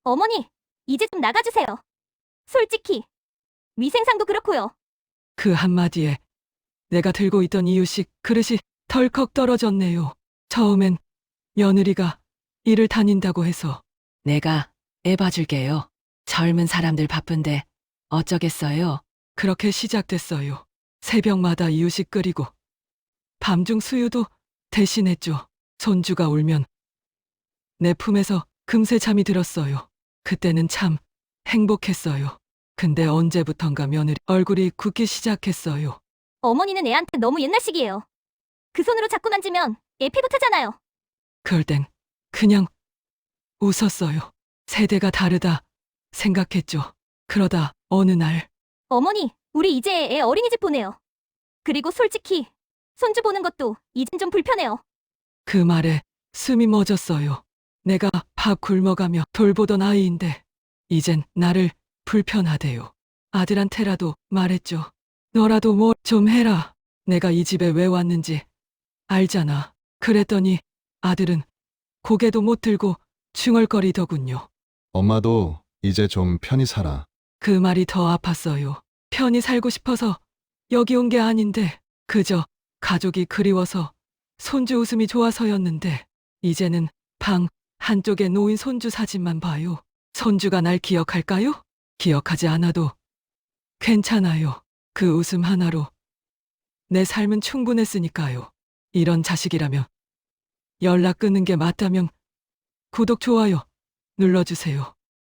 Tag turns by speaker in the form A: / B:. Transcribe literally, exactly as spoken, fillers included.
A: 어머니, 이제 좀 나가주세요. 솔직히, 위생상도 그렇고요.
B: 그 한마디에 내가 들고 있던 이유식 그릇이 덜컥 떨어졌네요. 처음엔 며느리가 일을 다닌다고 해서 내가 애 봐줄게요. 젊은 사람들 바쁜데 어쩌겠어요. 그렇게 시작됐어요. 새벽마다 이유식 끓이고 밤중 수유도 대신했죠. 손주가 울면 내 품에서 금세 잠이 들었어요. 그때는 참 행복했어요. 근데 언제부턴가 며느리 얼굴이 굳기 시작했어요.
A: 어머니는 애한테 너무 옛날식이에요. 그 손으로 자꾸 만지면 애 피부 타잖아요.
B: 그럴 땐 그냥 웃었어요. 세대가 다르다 생각했죠. 그러다 어느 날
A: 어머니, 우리 이제 애 어린이집 보내요. 그리고 솔직히, 손주 보는 것도 이젠 좀 불편해요.
B: 그 말에 숨이 멎었어요. 내가 밥 굶어가며 돌보던 아이인데 이젠 나를 불편하대요. 아들한테라도 말했죠. 너라도 뭐 좀 해라. 내가 이 집에 왜 왔는지 알잖아. 그랬더니 아들은 고개도 못 들고 중얼거리더군요.
C: 엄마도 이제 좀 편히 살아.
B: 그 말이 더 아팠어요. 편히 살고 싶어서 여기 온 게 아닌데 그저 가족이 그리워서 손주 웃음이 좋아서였는데 이제는 방 한쪽에 놓인 손주 사진만 봐요. 손주가 날 기억할까요? 기억하지 않아도 괜찮아요. 그 웃음 하나로 내 삶은 충분했으니까요. 이런 자식이라면 연락 끊는 게 맞다면 구독, 좋아요 눌러주세요.